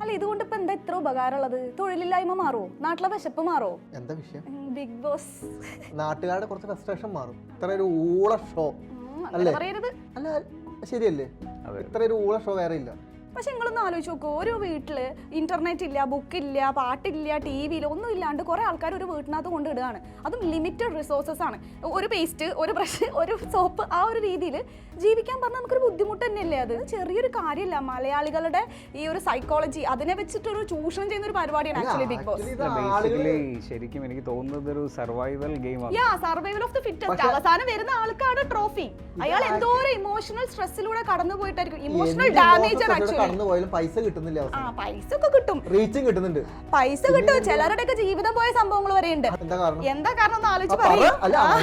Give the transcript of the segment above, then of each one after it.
അല്ല ഇതുകൊണ്ട് ഇപ്പൊ എന്താ ഇത്ര ഉപകാരമുള്ളത്? തൊഴിലില്ലായ്മ മാറോ? നാട്ടിലെ വിശപ്പ് മാറോ? എന്താ വിഷയം? ബിഗ് ബോസ് നാട്ടുകാരുടെ കുറച്ച് ഫ്രസ്ട്രേഷൻ മാറും. ഇത്ര ഒരു ഊള ഷോ അല്ലേ? പറയരുത്. അല്ല ശരിയല്ലേ? ഇത്ര ഒരു ഊള ഷോ വേറെ ഇല്ല. പക്ഷെ നിങ്ങളൊന്ന് ആലോചിച്ച് നോക്കൂ, ഒരു വീട്ടില് ഇന്റർനെറ്റ് ഇല്ല, ബുക്കില്ല, പാട്ടില്ല, ടി വിയില്ല, ഒന്നും ഇല്ലാണ്ട് കുറെ ആൾക്കാർ ഒരു വീട്ടിനകത്ത് കൊണ്ടിടുകയാണ്. അതും ലിമിറ്റഡ് റിസോഴ്സസ് ആണ്. ഒരു പേസ്റ്റ്, ഒരു ബ്രഷ്, ഒരു സോപ്പ്, ആ ഒരു രീതിയിൽ ജീവിക്കാൻ പറഞ്ഞാൽ നമുക്കൊരു ബുദ്ധിമുട്ട് തന്നെയല്ലേ? അത് ചെറിയൊരു കാര്യമല്ല. മലയാളികളുടെ ഈ ഒരു സൈക്കോളജി അതിനെ വെച്ചിട്ടൊരു ചൂഷണം ചെയ്യുന്ന ഒരു പരിപാടിയാണ് ആക്ച്വലി ബിഗ് ബോസ്. ശരിക്കും എനിക്ക് തോന്നുന്നത് ഒരു സർവൈവൽ ഗെയിമാണ്. Survival of the fittest. അവസാനം വരുന്ന ആൾക്കാണ് ട്രോഫി. അയാൾ എന്തോ ഒരു ഇമോഷണൽ സ്ട്രെസ്സിലൂടെ കടന്നു പോയിട്ടായിരിക്കും. ഇമോഷണൽ ഡാമേജ് ആണ് ആക്ച്വലി. കടന്നു പോയാലും പൈസ കിട്ടുന്നില്ല. പൈസ ഒക്കെ കിട്ടും, റീച്ചും കിട്ടുന്നുണ്ട്, പൈസ കിട്ടും. ചിലരുടെയൊക്കെ ജീവിതം പോയ സംഭവങ്ങൾ വരെ ഉണ്ട്. എന്താ കാരണം ഒന്ന് ആലോചിച്ച് പറയാം.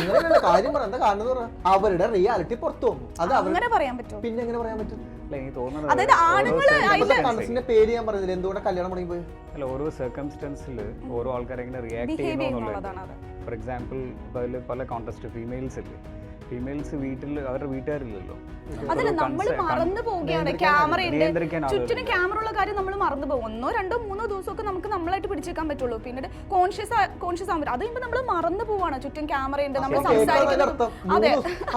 അവരുടെ റിയാലിറ്റി പുറത്തു വന്നു. അത് അങ്ങനെ പറയാൻ പറ്റും. പിന്നെ എങ്ങനെ പറയാൻ പറ്റും? അതായത് ആണുങ്ങള് പേര് ഞാൻ പറഞ്ഞില്ല, എന്തുകൊണ്ട് കല്യാണം തുടങ്ങി പോയി. അല്ല, ഓരോ സർക്കംസ്റ്റൻസിൽ ഓരോ ആൾക്കാർ എങ്ങനെ റിയാക്ട് ചെയ്യുന്നുള്ളത്. ഫോർ എക്സാമ്പിൾ അതിൽ പല കോൺടെസ്റ്റ് ഫീമെയിൽസ് ഇല്ലേ, ഫീമെയിൽസ് വീട്ടിൽ അവരുടെ വീട്ടുകാരില്ലല്ലോ. അതല്ല, നമ്മൾ മറന്നു പോവുകയാണ്. ചുറ്റിനും ക്യാമറ ഉള്ള കാര്യം നമ്മൾ മറന്നു പോകും. 1, 2, 3 ദിവസമൊക്കെ നമുക്ക് നമ്മളായിട്ട് പിടിച്ചേക്കാൻ പറ്റുള്ളൂ. പിന്നീട് കോൺഷ്യസ് ആകുമ്പോൾ അത് കഴിയുമ്പോൾ നമ്മൾ മറന്നു പോവാണ്. ചുറ്റും ക്യാമറ ഉണ്ട്, നമ്മൾ സംസാരിക്കുന്നത്. അതെ,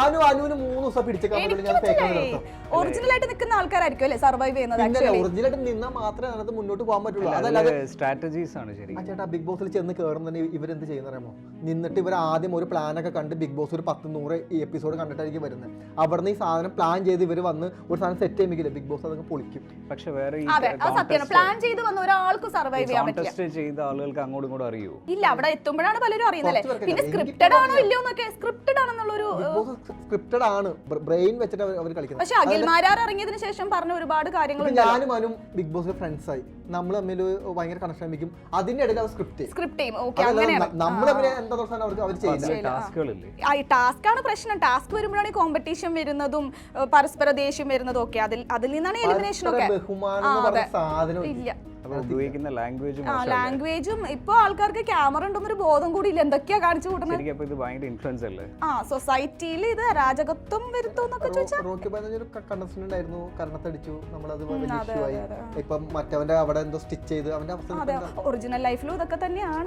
ഒറിജിനൽ ആയിട്ട് നിൽക്കുന്ന ആൾക്കാരായിരിക്കും അല്ലെ സർവൈവ് ചെയ്യുന്നത്. ഒറിജിനലായിട്ട് നിന്നാൽ മാത്രമേ അതിനകത്ത് മുന്നോട്ട് പോകാൻ പറ്റുള്ളൂ. അതല്ലാതെ സ്ട്രാറ്റജീസ് ആണ്. ശരി ചേട്ടാ, ബിഗ് ബോസിൽ ചെന്ന് കയറുന്ന തന്നെ ഇവരെന്ത് ചെയ്യുന്ന അറിയാമോ? നിന്നിട്ട് ഇവർ ആദ്യം ഒരു പ്ലാനൊക്കെ കണ്ട് ബിഗ് ബോസ് ഒരു 10-100 എപ്പിസോഡ് കണ്ടിട്ടായിരിക്കും വരുന്നത്. അവിടുന്ന് ഈ സാധനം പ്ലാൻ ചെയ്ത് ഇവർ വന്ന് ഒരു സാധനം സെറ്റ് ചെയ്യുമെങ്കിൽ ബിഗ് ബോസ് അതങ്ങ് പൊളിക്കും. പക്ഷെ വേറെ പ്ലാൻ ചെയ്ത് വന്ന ഒരാൾക്ക് സർവൈവ് ചെയ്യാൻ പറ്റില്ല. ചെയ്ത ആളുകൾക്ക് അങ്ങോട്ടും ഇങ്ങോട്ടും അറിയോ? ഇല്ല, അവിടെ എത്തുമ്പോഴാണ് പലരും അറിയുന്നല്ലേ. പിന്നെ സ്ക്രിപ്റ്റഡ് ആണോ ഇല്ലയോ എന്നൊക്കെ. സ്ക്രിപ്റ്റഡ് ആണെന്നുള്ളൊരു സ്ക്രിപ്റ്റഡ് ആണ്, ബ്രെയിൻ വെച്ചിട്ട് അവർ കളിക്കുന്നത്. പക്ഷെ അഖിൽമാരാർ ഇറങ്ങിയതിനു ശേഷം പറഞ്ഞ ഒരുപാട് കാര്യങ്ങൾ. ഞാനും അനു ബിഗ് ബോസിൽ ഫ്രണ്ട്സ് ആയി, നമ്മൾ തമ്മിൽ ഭയങ്കര കണക്ഷൻ ആയിരിക്കും. അതിന്റെ ഇടയിൽ അവർ സ്ക്രിപ്റ്റ് ചെയ്യും. നമ്മൾ എന്താ അവർ ചെയ്യില്ല. ടാസ്ക് ആണ് പ്രശ്നം. ടാസ്ക് വരുമ്പോഴാണ് ഈ കോമ്പറ്റീഷൻ വരുന്നതും പരസ്പര ദേഷ്യം വരുന്നതും ഒക്കെ. അതിൽ നിന്നാണ് എലിമിനേഷൻ ഒക്കെ. ഇല്ല, ലാംഗ്വേജും ഇപ്പൊ ആൾക്കാർക്ക് ക്യാമറ ഉണ്ടെന്നൊരു ബോധം കൂടി ഇല്ല. എന്തൊക്കെയാ കാണിച്ചു കൂട്ടുന്നത്. സൊസൈറ്റിയിൽ ഇത് അരാജകത്വം വരുത്തോന്നൊക്കെ ചോദിച്ചാൽ ഒറിജിനൽ ലൈഫിലും ഇതൊക്കെ തന്നെയാണ്.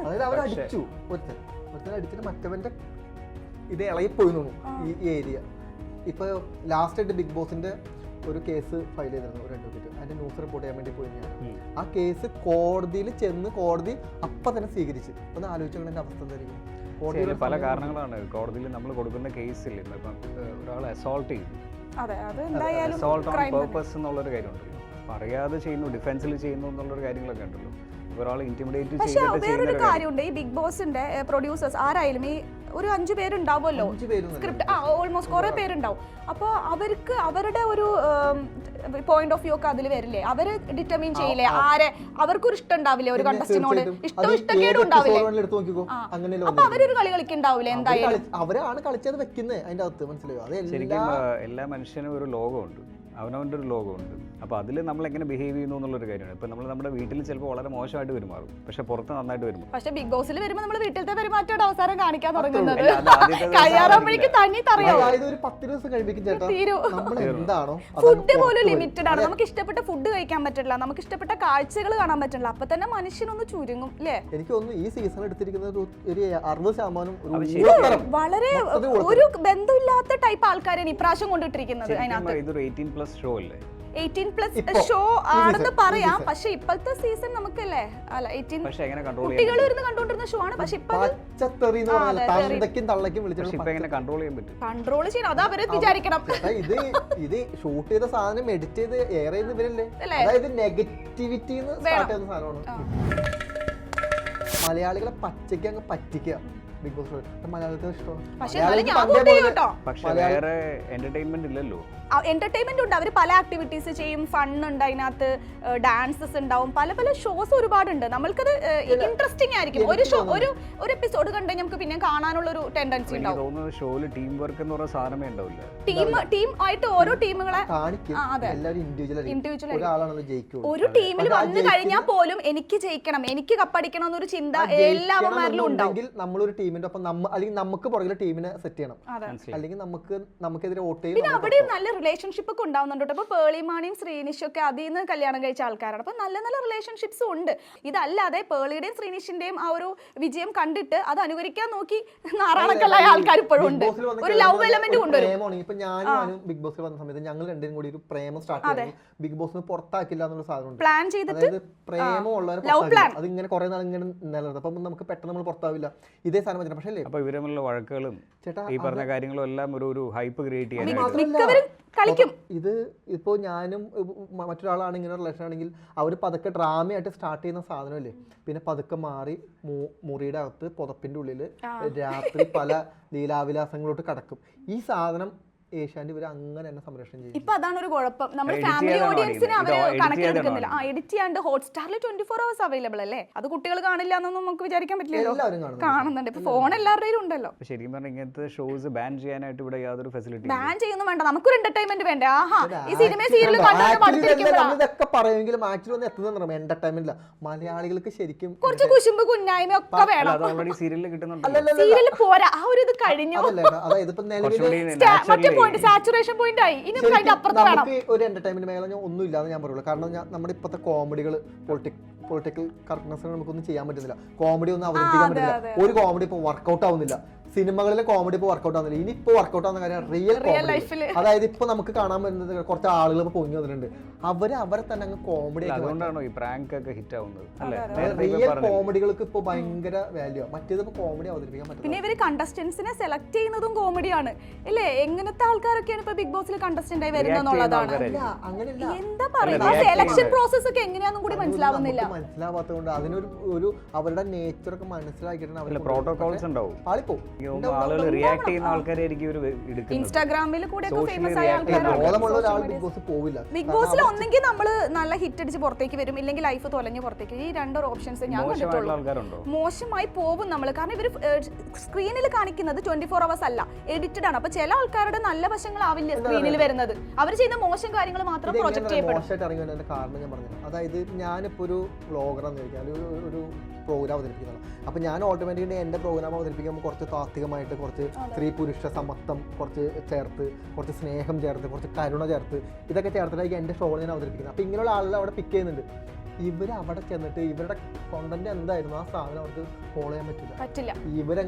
മറ്റവന്റെ ഇത് ഇളകിപ്പോയി ഈ ഏരിയ. ഇപ്പൊ ലാസ്റ്റ് ആയിട്ട് ബിഗ് ബോസിന്റെ ഒരു കേസ് ഫയൽ ചെയ്തിരുന്നു ഒരു അഡ്വക്കേറ്റ്. അതിന്റെ ന്യൂസ് റിപ്പോർട്ട് ചെയ്യാൻ വേണ്ടി പോയി ഞാൻ. ആ കേസ് കോടതിയിൽ ചെന്ന് കോടതി അപ്പൊ തന്നെ സ്വീകരിച്ചു. ഒന്ന് ആലോചിച്ചതിന്റെ അവസ്ഥ എന്തായിരിക്കും? കോടതിയിൽ പല കാരണങ്ങളാണ്. കോടതിയിൽ നമ്മൾ കൊടുക്കുന്ന കേസിൽ ഇപ്പം ഒരാളെ അസോൾട്ട് ചെയ്തു, അസോൾട്ട് ഓൺ പേർപ്പസ് എന്നുള്ളൊരു കാര്യമുണ്ടല്ലോ. അറിയാതെ ചെയ്യുന്നു, ഡിഫെൻസിൽ ചെയ്യുന്നു എന്നുള്ളൊരു കാര്യങ്ങളൊക്കെ ഉണ്ടല്ലോ. പക്ഷെ വേറൊരു കാര്യമുണ്ട്, ഈ ബിഗ് ബോസിന്റെ പ്രൊഡ്യൂസേഴ്സ് ആരായാലും ഈ ഒരു 5 പേരുണ്ടാവുമല്ലോ സ്ക്രിപ്റ്റ്, ഓൾമോസ്റ്റ് കുറെ പേരുണ്ടാവും. അപ്പോൾ അവർക്ക് അവരുടെ ഒരു പോയിന്റ് ഓഫ് വ്യൂ ഒക്കെ അതിൽ വരില്ലേ? അവര് ഡിറ്റർമിൻ ചെയ്യില്ലേ ആരെ? അവർക്കൊരു ഇഷ്ടം ഉണ്ടാവില്ലേ ഒരു കണ്ടസ്റ്റിനോട്? ഇഷ്ടക്കേടും ഉണ്ടാവില്ലേ? അപ്പൊ അവരൊരു കളി കളിക്കുന്നുണ്ടാവില്ലേ? എന്തായാലും അവരാണ് കളിച്ചത് വെക്കുന്നത് അതിന്റെ അകത്ത്. മനസ്സിലായോ? എല്ലാ മനുഷ്യനും ഒരു ലോകമുണ്ട്, അവനവൻ്റെ ഒരു ലോകമുണ്ട്. അപ്പോൾ അതിൽ നമ്മൾ എങ്ങനെ ബിഹേവ് ചെയ്യുന്നു എന്നുള്ളൊരു കാര്യമാണ്. ഇപ്പം നമ്മൾ നമ്മുടെ വീട്ടിൽ ചിലപ്പോൾ വളരെ മോശമായിട്ട് പെരുമാറും, പക്ഷെ പുറത്ത് നന്നായിട്ട് വരുമ്പോൾ. പക്ഷെ ബിഗ് ബോസിൽ വരുമ്പോൾ നമ്മൾ വീട്ടിലത്തെ പെരുമാറ്റയുടെ അവസാനം കാണിക്കാൻ തുടങ്ങുന്നത് കഴിയാറാകുമ്പോഴേക്കും തന്നെ അറിയാം. ഫുഡ് പോലും ലിമിറ്റഡ് ആണ്. നമുക്ക് ഇഷ്ടപ്പെട്ട ഫുഡ് കഴിക്കാൻ പറ്റില്ല, നമുക്ക് ഇഷ്ടപ്പെട്ട കാഴ്ചകൾ കാണാൻ പറ്റില്ല. അപ്പൊ തന്നെ മനുഷ്യനൊന്ന് ചുരുങ്ങും അല്ലേ? എനിക്ക് തോന്നുന്നു ഈ സീസൺ എടുത്തിരിക്കുന്നത് ഒരു 60% വളരെ ഒരു ബന്ധമില്ലാത്ത ടൈപ്പ് ആൾക്കാരാണ് ഇപ്രാവശ്യം കൊണ്ടിട്ടിരിക്കുന്നത്. അതിനകത്ത് ഷോ അല്ലേ, 18+ ഷോ ആണെന്ന് പറയാം. പക്ഷെ ഇപ്പോഴത്തെ സീസൺ നമുക്കല്ലേ അല്ല 18 കുട്ടികൾ ഇരുന്ന് കണ്ടോണ്ടിരുന്ന ഷോ ആണ്. പക്ഷെ കൺട്രോൾ ചെയ്യണം, അത് അവര് വിചാരിക്കണം. ഇത് ഷൂട്ട് ചെയ്ത സാധനം എഡിറ്റ് ചെയ്ത് എയർ ചെയ്യുന്ന ഇവരല്ലേ? അതായത് നെഗറ്റിവിറ്റി സാധനമാണ്. മലയാളികളെ പച്ചയ്ക്ക് അങ്ങ് പറ്റിക്കുക ബിഗ് ബോസ്. മലയാളത്തെ ഇഷ്ടമാണ്. പക്ഷെ വേറെ എന്റർടൈൻമെന്റ് ഇല്ലല്ലോ. എന്റർടൈൻമെന്റ് ഉണ്ട്. അവർ പല ആക്ടിവിറ്റീസ് ചെയ്യും, ഫൺ ഉണ്ട് അതിനകത്ത്, ഡാൻസസ് ഉണ്ടാവും, പല പല ഷോസ് ഒരുപാടുണ്ട്. നമ്മൾക്കത് ഇൻട്രസ്റ്റിംഗ് ആയിരിക്കും. ഒരു ഷോ ഒരു എപ്പിസോഡ് കണ്ടുകഴിഞ്ഞാൽ നമുക്ക് പിന്നെ കാണാനുള്ള ഒരു ടെൻഡൻസി ഉണ്ടാവും. ഷോയില് ടീം വർക്ക് എന്ന് പറയുന്ന സാധനമേ ഉണ്ടാവില്ല. ടീം ആയിട്ട് ഓരോ ടീമുകളെ ഒരു ടീമിൽ വന്നു കഴിഞ്ഞാൽ പോലും എനിക്ക് ജയിക്കണം, എനിക്ക് കപ്പടിക്കണം എന്നൊരു ചിന്ത എല്ലാവരിലും ഉണ്ടാവും. നമ്മളൊരു ടീമിന്റെ ഒപ്പം അല്ലെങ്കിൽ നമുക്ക് പുറകിലെ ടീമിനെ സെറ്റ് ചെയ്യണം, അല്ലെങ്കിൽ നമുക്കെതിരെ വോട്ട് ചെയ്യും. പിന്നെ അവിടെയും നല്ല റിലേഷൻഷിപ്പ് ഒക്കെ ഉണ്ടാവുന്നുണ്ട്. അപ്പോൾ പേളിമാണിയും ശ്രീനിഷും ഒക്കെ അതിൽ നിന്ന് കല്യാണം കഴിച്ച ആൾക്കാരാണ്. അപ്പോൾ നല്ല നല്ല റിലേഷൻഷിപ്സും ഉണ്ട്. ഇതല്ലാതെ പേളിയുടെയും ശ്രീനിഷിന്റെയും ആ ഒരു വിജയം കണ്ടിട്ട് അത് അനുകരിക്കാൻ നോക്കി നാറാണക്കല്ലായ ആൾക്കാർ ഇപ്പോഴും ഉണ്ട്. ഒരു ലവ് എലമെന്റ് കൊണ്ടുവരും. ഇപ്പൊ ഞാനും ബിഗ് ബോസിൽ വന്ന സമയത്ത് ഞങ്ങൾ രണ്ടും കൂടി ഒരു പ്രേമം സ്റ്റാർട്ട് ചെയ്തു. ബിഗ് ബോസിന് പുറത്താക്കില്ല എന്നുള്ള സാധനം പ്ലാൻ ചെയ്തിട്ട്, പ്രേമം ഉള്ളവരെ അത് ഇങ്ങനെ കുറെ നാൾ ഇങ്ങനെ നിലനിർത്തും. അപ്പൊ നമുക്ക് പെട്ടെന്ന് നമ്മൾ പുറത്താവില്ല. ഇതേ സാധനം പറ്റില്ല. പക്ഷേ അപ്പൊ ഇവരുമുള്ള വഴക്കുകളും ഈ പറഞ്ഞ കാര്യങ്ങളും എല്ലാം ഒരു ഹൈപ്പ് ക്രിയേറ്റ് ചെയ്യാൻ കളിക്കും. ഇത് ഇപ്പോ ഞാനും മറ്റൊരാളാണ് ഇങ്ങനെ റിലേഷൻ ആണെങ്കിൽ അവർ പതുക്കെ ഡ്രാമയായിട്ട് സ്റ്റാർട്ട് ചെയ്യുന്ന സാധനമല്ലേ, പിന്നെ പതുക്കെ മാറി മുറിയുടെ അകത്ത് പുതപ്പിന്റെ ഉള്ളില് രാത്രി പല ലീലാവിലാസങ്ങളോട്ട് കടക്കും. ഈ സാധനം ഏഷ്യാന്റെ ഇവർ അങ്ങനെ തന്നെ സംരക്ഷണം ചെയ്യും. ഇപ്പൊ അതാണ് ഒരു കുഴപ്പം. നമ്മൾ ഫാമിലി ഓഡിയൻസിനെ അവര് കണക്കിലെടുക്കുന്നില്ല. എഡിറ്റ് 24 hours അവൈലബിൾ അല്ലേ. അത് കുട്ടികൾ കാണില്ല എന്നൊന്നും നമുക്ക് വിചാരിക്കാൻ പറ്റില്ലല്ലോ. കാണുന്നുണ്ട്. ഇപ്പൊ ഫോൺ എല്ലാവരുടെയും ഉണ്ടല്ലോ. ശരിക്കും പറഞ്ഞാൽ ഇങ്ങനത്തെ ഷോസ് ബാൻ ചെയ്യാനായിട്ട് ഇവിടെ യാതൊരു ഫെസിലിറ്റി ബാൻ ചെയ്യുന്നു വേണ്ട. നമുക്കൊരു എന്റർടൈൻമെന്റ് വേണ്ടേ? ആഹാ, ഈ സിനിമ സീരിയൽ ഇതൊക്കെ പറയുമെങ്കിലും ആക്ച്വലി ഒന്നും എത്തുന്ന എന്റർടൈൻമെന്റ് മലയാളികൾക്ക് ശരിക്കും കുറച്ച് കുശുമ്പ് കുന്നായ്മ ഒക്കെ വേണം. അത് ഓൾറെഡി സീരിയലിൽ കിട്ടുന്നുണ്ട്. സീരിയൽ പോരാ, ആ ഒരു ഇത് കഴിഞ്ഞു. അതായത് ഇപ്പൊ നിലവിൽ സാച്ചുറേഷൻ പോയിന്റ് ആയി. ഇനി നമുക്ക് അപ്പുറത്ത് വേണം. നമുക്ക് ഒരു എന്റർടൈൻമെന്റ് മേഖല ഒന്നും ഇല്ലാതെ ഞാൻ പറയുള്ളൂ. കാരണം നമ്മുടെ ഇപ്പോഴത്തെ കോമഡികൾ പൊളിറ്റിക്കൽ കറക്റ്റ്നെസ് നമുക്കൊന്നും ചെയ്യാൻ പറ്റുന്നില്ല. കോമഡി ഒന്നും അവതരിപ്പിക്കാൻ പറ്റുന്നില്ല. ഒരു കോമഡി ഇപ്പൊ വർക്കൗട്ട് ആവുന്നില്ല. സിനിമകളിലെ കോമഡി ഇപ്പോൾ വർക്കൗട്ട് ആവുന്നില്ല. ഇനി ഇപ്പോൾ വർക്കൗട്ട് ആവുന്ന കാര്യം റിയൽ ലൈഫിൽ. അതായത് ഇപ്പൊ നമുക്ക് കാണാൻ പറ്റുന്നത് കുറച്ച് ആളുകൾ ഇപ്പൊ പൊങ്ങി വന്നിട്ടുണ്ട്. അവരെ തന്നെ അങ്ങ് കോമഡി അതുകൊണ്ടാണോ ഈ പ്രാങ്ക് ഒക്കെ ഹിറ്റ് ആവുന്നത്? റിയൽ കോമഡികൾക്ക് ഇപ്പൊ ഭയങ്കര വാല്യൂ. മറ്റേത് ഇപ്പൊ കോമഡി അവതരിപ്പിക്കാൻ പറ്റും. പിന്നെ ഇവര് കണ്ടസ്റ്റന്റ്സിനെ സെലക്ട് ചെയ്യുന്നതും കോമഡിയാണ് അല്ലേ? എങ്ങനത്തെ ആൾക്കാരൊക്കെയാണ് ഇപ്പൊ ബിഗ് ബോസിൽ കണ്ടസ്റ്റന്റ് ആയി വരുന്നതെന്നുള്ളതാണ്. എന്താ പറയുക, സെലക്ഷൻ പ്രോസസ് ഒക്കെ എങ്ങനെയാണെന്നും കൂടി മനസ്സിലാവുന്നില്ല. മനസ്സിലാവാത്തതുകൊണ്ട് അതിനൊരു അവരുടെ നേച്ചർ ഒക്കെ മനസ്സിലാക്കിയിട്ടാണ് പ്രോട്ടോകോൾസ് ഉണ്ടാവും. പാളിപ്പോ ആളുകൾ റിയാക്ട് ചെയ്യുന്ന ആൾക്കാരായിരിക്കും ഇവർ എടുക്കുന്നത്. ഇൻസ്റ്റാഗ്രാമിൽ കൂടെ ഒക്കെ ഫേമസ് ആയ ആൾക്കാരാണ്. ബിഗ് ബോസ് പോവില്ല. ബിഗ് ബോസിൽ ഒന്നെങ്കിൽ നമ്മൾ നല്ല ഹിറ്റ് അടിച്ച് പുറത്തേക്ക് വരും, ഇല്ലെങ്കിൽ ലൈഫ് തൊലഞ്ഞ് പുറത്തേക്ക്. ഈ രണ്ടൊരു ഓപ്ഷൻസ് ഞാൻ കണ്ടിട്ടുള്ളൂ. മോശമായി പോകും നമ്മൾ. കാരണം ഇവർ സ്ക്രീനിൽ കാണിക്കുന്നത് 24 hours അല്ല, എഡിറ്റഡ് ആണ്. അപ്പൊ ചില ആൾക്കാരുടെ നല്ല വശങ്ങളാവില്ല സ്ക്രീനിൽ വരുന്നത്. അവർ ചെയ്യുന്ന മോശം കാര്യങ്ങൾ മാത്രം പ്രൊജക്ട് ചെയ്യപ്പെടും. കാരണം ഞാൻ പറഞ്ഞു, അതായത് ഞാനിപ്പോ ഒരു വ്ളോഗറാന്ന് ചോദിച്ചാൽ ഒരു പ്രോഗ്രാം അവതരിപ്പിക്കുന്നതാണ്. അപ്പോൾ ഞാൻ ഓട്ടോമാറ്റിക്കലി എൻ്റെ പ്രോഗ്രാം അവതരിപ്പിക്കുമ്പോൾ കുറച്ച് താത്വികമായിട്ട് കുറച്ച് സ്ത്രീ പുരുഷ സമത്വം കുറച്ച് ചേർത്ത്, കുറച്ച് സ്നേഹം ചേർത്ത്, കുറച്ച് കരുണ ചേർത്ത്, ഇതൊക്കെ ചേർത്തിട്ടായിരിക്കും എൻ്റെ ഷോ ഞാൻ അവതരിപ്പിക്കുന്നത്. അപ്പോൾ ഇങ്ങനെയുള്ള ആളുകൾ അവിടെ പിക്ക് ചെയ്യുന്നുണ്ട്. ഇവർ അവിടെ ചെന്നിട്ട് ഇവരുടെ കോണ്ടന്റ് എന്തായിരുന്നു ആ സാധനം അവർക്ക് ഫോളോ ചെയ്യാൻ പറ്റില്ല. ഇവരങ്ങ്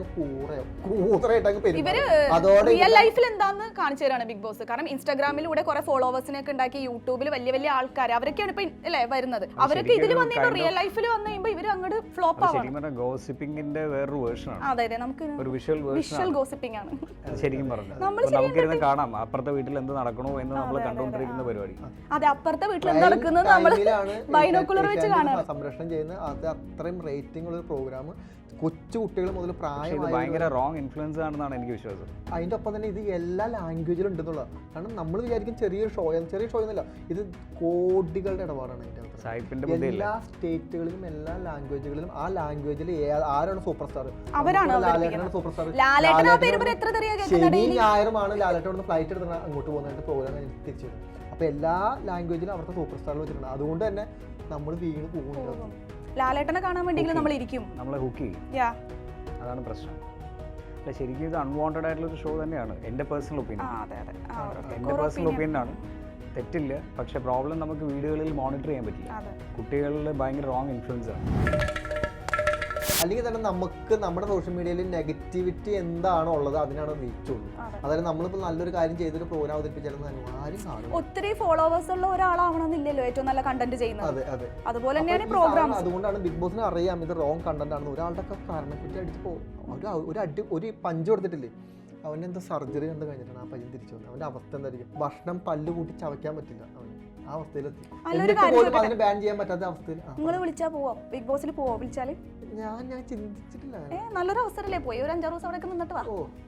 റിയൽ ലൈഫിൽ എന്താന്ന് കാണിച്ചു തരാണ് ബിഗ് ബോസ്. കാരണം ഇൻസ്റ്റാഗ്രാമിലൂടെ കുറെ ഫോളോവേഴ്സിനെ ഒക്കെ ഉണ്ടാക്കി, യൂട്യൂബിൽ വലിയ വലിയ ആൾക്കാർ അവരൊക്കെയാണ് ഇപ്പൊ അല്ലേ വരുന്നത്. അവരൊക്കെ ഇതിൽ വന്നിട്ട് റിയൽ ലൈഫിൽ വന്നു കഴിയുമ്പോൾ ഇവർ അങ്ങോട്ട് ഫ്ലോപ്പ് ആവും. ഗോസിപ്പിംഗിന്റെ വേറൊരു വേർഷനാണ്. അതെ, നമുക്ക് ഒരു വിഷ്വൽ ഗോസിപ്പിംഗ് ആണ് ശരിക്കും പറഞ്ഞത്. നമുക്കിരുന്ന് കാണാം അപ്പുറത്തെ വീട്ടിൽ എന്ത് നടക്കണോ എന്ന് നമ്മൾ കണ്ടുകൊണ്ടിരിക്കുന്ന പരിപാടി. അതെ, അപ്പുറത്തെ വീട്ടിൽ എന്ത് നടക്കുന്നത് നമ്മൾ ബൈനോക്കുലർ വെച്ച് കാണാം. സംരക്ഷണം ചെയ്യുന്ന അത് അത്രയും റേറ്റിംഗ് ഉള്ള ഒരു പ്രോഗ്രാം കൊച്ചു കുട്ടികൾ മുതൽ പ്രായമായ ഭയങ്കര റോങ് ഇൻഫ്ലുവൻസ് ആണെന്നാണ് എനിക്ക് വിശ്വാസം. അതിൻ്റെ ഒപ്പം തന്നെ ഇത് എല്ലാ ലാംഗ്വേജിലും ഉണ്ടെന്നുള്ള. കാരണം നമ്മൾ വിചാരിക്കും ചെറിയ ഷോ ഒന്നുമില്ല, ഇത് കോടികളുടെ ഇടപാടാണ്. അതിൻ്റെ എല്ലാ സ്റ്റേറ്റുകളിലും എല്ലാ ലാംഗ്വേജുകളിലും ആ ലാംഗ്വേജിൽ ആരാണ് സൂപ്പർ സ്റ്റാർ? ലാലേട്ടനാണ് സൂപ്പർ സ്റ്റാർ. ശനി ഞായറുമാണ് ലാലേട്ടൻ ഫ്ലൈറ്റ് എടുത്ത് അങ്ങോട്ട് പോകുന്നതായിട്ട് പ്രോഗ്രാം തിരിച്ചു വരും. അപ്പൊ എല്ലാ ലാംഗ്വേജിലും അവർക്ക് സൂപ്പർ സ്റ്റാറിൽ വെച്ചിട്ടുണ്ട്. അതുകൊണ്ട് തന്നെ നമ്മൾ വീണ് പോകും. ലാലേട്ടനെ കാണാൻ വേണ്ടിയെങ്കിലും നമ്മൾ ഇരിക്കും, നമ്മളെ ഹുക്ക് ചെയ്യും. അതാണ് പ്രശ്നം. അല്ല, ശരിക്കും ഇത് അൺവാണ്ടഡ് ആയിട്ടുള്ള ഒരു ഷോ തന്നെയാണ്. എൻ്റെ പേഴ്സണൽ ഒപ്പീനിയൻ ആണ്. തെറ്റില്ല. പക്ഷെ പ്രോബ്ലം നമുക്ക് വീഡിയോകളിൽ മോണിറ്റർ ചെയ്യാൻ പറ്റില്ല. കുട്ടികളിൽ ഭയങ്കര റോങ് ഇൻഫ്ലുവൻസ് ആണ്. അല്ലെങ്കിൽ തന്നെ നമുക്ക് നമ്മുടെ സോഷ്യൽ മീഡിയയിൽ നെഗറ്റിവിറ്റി എന്താണോ ഉള്ളത് അതിനാണ് റീച്ച് ഉള്ളൂ. അതായത് നമ്മളിപ്പോൾ നല്ലൊരു കാര്യം ചെയ്തൊരു പ്രോഗ്രാം അവതരിപ്പിച്ചാലും ആരും കാണും. ഒത്തിരി ഫോളോവേഴ്സ് ഉള്ള ഒരാളാവണമെന്നില്ലല്ലോ ഏറ്റവും നല്ല കണ്ടന്റ് ചെയ്യുന്നത്. അതുപോലെ തന്നെയാണ് പ്രോഗ്രാം. അതുകൊണ്ടാണ് ബിഗ് ബോസിന് അറിയാം ഇത് റോങ് കണ്ടന്റ് ആണെന്ന്. ഒരാളുടെ ഒക്കെ കാരണക്കുറ്റി അടിച്ച് ഒരു പഞ്ച് കൊടുത്തിട്ടില്ലേ, അവൻ്റെ എന്താ സർജറി എന്താ കഴിഞ്ഞിട്ടാണ് ആ പയ്യൻ തിരിച്ചു വന്നത്. അവൻ്റെ അവസ്ഥ എന്തായിരിക്കും? ഭക്ഷണം പല്ല് കൂട്ടി ചവയ്ക്കാൻ പറ്റില്ല അവന്. ആ അവസ്ഥയിലെത്തി. അതിന് ബാൻ ചെയ്യാൻ പറ്റാത്ത അവസ്ഥയിൽ. നിങ്ങൾ വിളിച്ചാൽ പോവോ? ബിഗ് ബോസിൽ പോവോ? വിളിച്ചാല് ഞാൻ ചിന്തിച്ചിട്ടില്ല. നല്ലൊരു അവസരല്ലേ, പോയി ഒരു 5-6 ദിവസം അവിടെ നിന്നിട്ട് വാ.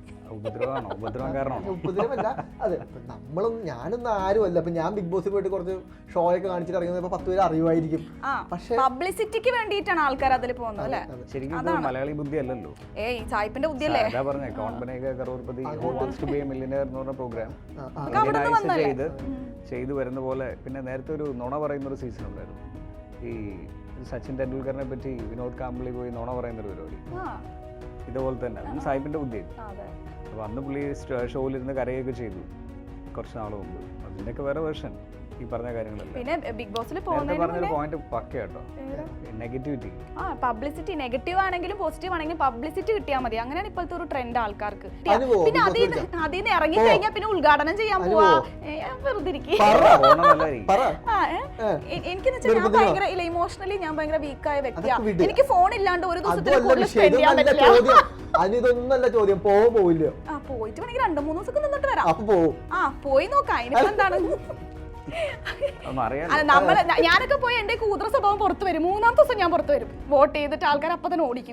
ഉപദ്രവമല്ല. അതെ, ഞാനൊന്നും ആരുമല്ല. അപ്പൊ ഞാൻ ബിഗ് ബോസിൽ പോയിട്ട് കുറച്ച് ഷോ ഒക്കെ കാണിച്ചിട്ട് ഇറങ്ങുന്നത് 10 പേര് അറിയുമായിരിക്കും. പക്ഷേ പബ്ലിസിറ്റിക്ക് വേണ്ടിയിട്ടാണ് ആൾക്കാർ അതിൽ പോകുന്നത് അല്ലേ? ശരിക്കും മലയാളി ബുദ്ധി അല്ലല്ലോ. സായിപ്പിന്റെ ബുദ്ധിയല്ലേ? പ്രോഗ്രാം ചെയ്തു വരുന്ന പോലെ. പിന്നെ നേരത്തെ ഒരു നുണ പറയുന്ന ഒരു സീസൺ ഉണ്ടായിരുന്നു. ഈ സച്ചിൻ ടെണ്ടുൽക്കറിനെ പറ്റി വിനോദ് കാംബ്ലി പോയി നുണ പറയുന്ന ഒരു പരിപാടി. ഇതുപോലെ തന്നെ സായിപ്പിന്റെ ബുദ്ധിയാണ്. അപ്പൊ അന്ന് പുള്ളി ഷോയിലിരുന്ന് കരയൊക്കെ ചെയ്തു. കുറച്ച് നാൾ മുമ്പ്. അതിൻ്റെയൊക്കെ വേറെ വേർഷൻ ഈ പറഞ്ഞ കാര്യങ്ങളല്ല. പിന്നെ ബിഗ് ബോസിൽ പറഞ്ഞൊരു പോയിന്റ് പക്ക കേട്ടോ, നെഗറ്റിവിറ്റി. പബ്ലിസിറ്റി നെഗറ്റീവ് ആണെങ്കിലും പോസിറ്റീവ് ആണെങ്കിലും പബ്ലിസിറ്റി കിട്ടിയാൽ മതി. അങ്ങനെയാണ് ഇപ്പോഴത്തെ ഒരു ട്രെൻഡ് ആൾക്കാർക്ക്. പിന്നെ അതിൽ നിന്ന് ഇറങ്ങി കഴിഞ്ഞാൽ പിന്നെ ഉദ്ഘാടനം ചെയ്യാൻ പോവാ, വെറുതെ ഇരിക്കും. എനിക്ക് ഞാൻ ഭയങ്കര ഇമോഷണലി ഞാൻ ഭയങ്കര വീക്കായ വ്യക്തിയാണ്. എനിക്ക് ഫോൺ ഇല്ലാണ്ട് ഒരു ദിവസത്തിൽ കൂടുതൽ സ്പെൻഡ് ചെയ്യാൻ പറ്റില്ല. അതിനൊന്നല്ല ചോദ്യം, പോവില്ല. പോയിട്ട് വേണമെങ്കിൽ 2-3 ദിവസം നിന്നിട്ട് വരാം. പോയി നോക്കാം, അതിനിപ്പോ എന്താണ്. ഞാനൊക്കെ പോയി എന്റെ കൂതറ സ്വഭാവം പുറത്തു വരും. 3-ാമത്തെ ദിവസം ഞാൻ പുറത്തു വരും. വോട്ട് ചെയ്തിട്ട് ആൾക്കാർ അപ്പൊ തന്നെ ഓടിക്കും.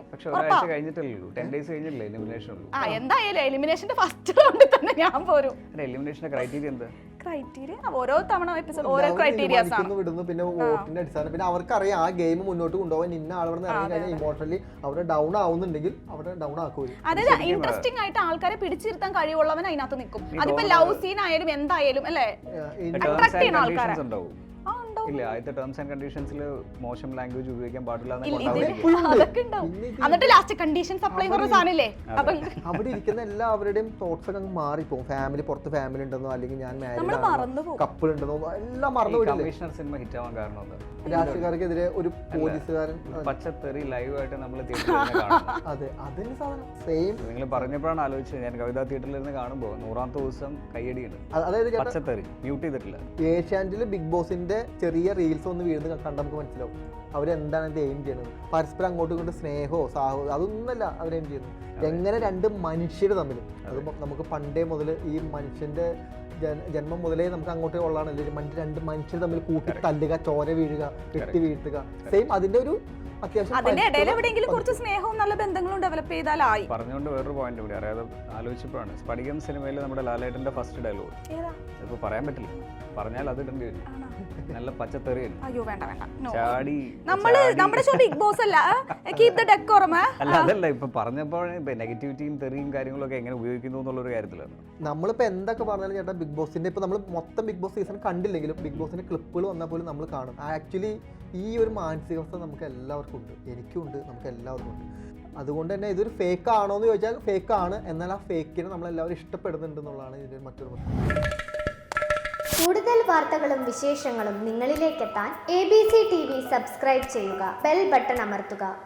എന്തായാലും എലിമിനേഷന്റെ ഫസ്റ്റ് റൗണ്ടിൽ തന്നെ ഞാൻ പോരും. ക്രൈറ്റീരിയ ഓരോ തവണ എപ്പിസോഡ് ഓരോ ക്രൈറ്റീരിയാസ് ആണ് വിടുന്നു. പിന്നെ വോട്ടിന്റെ അടിസ്ഥാനം, പിന്നെ അവർക്കറിയാം ആ ഗെയിം മുന്നോട്ട് കൊണ്ടുപോകാൻ ഇന്ന ആളുകൾ ഇറങ്ങി കഴിഞ്ഞാൽ ഇമോഷണലി അവിടെ ഡൗൺ ആവുന്നുണ്ടെങ്കിൽ അവിടെ ഡൗൺ ആക്കും. അതായത് ഇൻട്രസ്റ്റിംഗ് ആയിട്ട് ആൾക്കാരെ പിടിച്ചിരുത്താൻ കഴിവുള്ളവൻ അതിനകത്ത് നിൽക്കും. അതിപ്പോ ലവ് സീൻ ആയാലും എന്തായാലും അല്ലേ, അട്രാക്ട് ചെയ്യുന്ന ആൾക്കാരെ. ഇല്ല, ആദ്യത്തെ ടേംസ് ആൻഡ് കണ്ടീഷൻസിൽ മോശം ലാംഗ്വേജ് ഉപയോഗിക്കാൻ പാടില്ല. എന്നിട്ട് ലാസ്റ്റ് കണ്ടീഷൻസ് അപ്ലൈ ചെയ്യുന്ന സാധനമില്ലേ, അവിടെ ഇരിക്കുന്ന എല്ലാവരുടെയും തോട്ട്സ് ഒക്കെ മാറിപ്പോകും. ഫാമിലി, പുറത്ത് ഫാമിലി ഉണ്ടെന്നോ അല്ലെങ്കിൽ ഞാൻ മാരീഡ് കപ്പിൾ ഉണ്ടെന്നോ എല്ലാം മറന്നുപോയില്ലേ. കമ്മീഷണർ സിനിമ ഹിറ്റ് ആവാൻ കാരണം രാഷ്ട്രീയക്കാർക്കെതിരെ ഒരു പോലീസുകാരൻ പച്ചത്തെറി ലൈവായിട്ട് നമ്മൾ അതെ അതിന് സാധനം സെയിം. നിങ്ങൾ പറഞ്ഞപ്പോഴാണ് ആലോചിച്ചത്. ഞാൻ കവിതാ തിയേറ്ററിൽ നിന്ന് കാണുമ്പോൾ 100ാമത്തെ ദിവസം കയ്യടിയാണ്. അതായത് പച്ചത്തെറി മ്യൂട്ട് ചെയ്തിട്ടില്ല. ഏഷ്യാനെറ്റിൽ ബിഗ് ബോസിന്റെ ചെറിയ റീൽസ് ഒന്ന് വീഴുന്ന കണ്ടാൽ നമുക്ക് മനസ്സിലാവും അവരെന്താണ് ഇത് എയിം ചെയ്യുന്നത്. പരസ്പരം അങ്ങോട്ടും ഇങ്ങോട്ടും സ്നേഹമോ സാഹോ അതൊന്നല്ല അവരെയിം ചെയ്യുന്നത്. എങ്ങനെ രണ്ട് മനുഷ്യർ തമ്മിൽ, അത് നമുക്ക് പണ്ടേ മുതൽ ഈ മനുഷ്യന്റെ ജന്മം മുതലേ നമുക്ക് അങ്ങോട്ട് ഉള്ളതാണല്ലോ, രണ്ട് മനുഷ്യർ തമ്മിൽ കൂട്ടി തല്ലുക, ചോര വീഴുക, വെട്ടി വീഴ്ത്തുക. സെയിം അതിന്റെ ഒരു അതിന്റെ ഇടയിൽ എവിടെയെങ്കിലും കുറച്ച് സ്നേഹവും നല്ല ബന്ധങ്ങളും ഡെവലപ്പ് ചെയ്താലായി. പറഞ്ഞുകൊണ്ട് വേറൊരു പോയിന്റ് കൂടി അറിയാതെ ആലോചിച്ചപ്പോഴാണ് സ്പടികം സിനിമയിൽ നമ്മുടെ ലാലേട്ടന്റെ ഫസ്റ്റ് ഡയലോഗ് ഇപ്പൊ പറയാൻ പറ്റില്ല, പറഞ്ഞാൽ അത് ഇടേണ്ടി വരും. നല്ല പച്ചത്തെറിയാണ്. അയ്യോ വേണ്ട വേണ്ട, ചാടി നമ്മുടെ ഷോ ബിഗ് ബോസ് അല്ല, കീപ് ദ ഡെക്കോറം. അല്ല അതല്ല, ഇപ്പൊ പറഞ്ഞപ്പോൾ നെഗറ്റിവിറ്റിയും തെറിയും കാര്യങ്ങളൊക്കെ എങ്ങനെ ഉപയോഗിക്കുന്നു എന്നുള്ളൊരു കാര്യത്തിലാണ്. നമ്മളിപ്പോ എന്തൊക്കെ പറഞ്ഞാലും ചേട്ടാ, ബിഗ് ബോസിന്റെ ഇപ്പൊ നമ്മൾ മൊത്തം ബിഗ് ബോസ് സീസൺ കണ്ടില്ലെങ്കിലും ബിഗ് ബോസിന്റെ ക്ലിപ്പുകൾ വന്നാൽ പോലും നമ്മൾ കാണും. ആക്ച്വലി ഈ ഒരു മാനസികാവസ്ഥ നമുക്ക് എല്ലാവർക്കും ഉണ്ട്, എനിക്കും ഉണ്ട്, നമുക്ക് എല്ലാവർക്കും ഉണ്ട്. അതുകൊണ്ട് തന്നെ ഇതൊരു ഫേക്ക് ആണോ എന്ന് ചോദിച്ചാൽ ഫേക്ക് ആണ്. എന്നാൽ ആ ഫേക്കിനെ നമ്മളെല്ലാവരും ഇഷ്ടപ്പെടുന്നുണ്ട് എന്നുള്ളതാണ് ഇതിന്റെ മറ്റൊരു പ്രശ്നം. കൂടുതൽ വാർത്തകളും വിശേഷങ്ങളും നിങ്ങളിലേക്കെത്താൻ ABC TV സബ്സ്ക്രൈബ് ചെയ്യുക, ബെൽ ബട്ടൺ അമർത്തുക.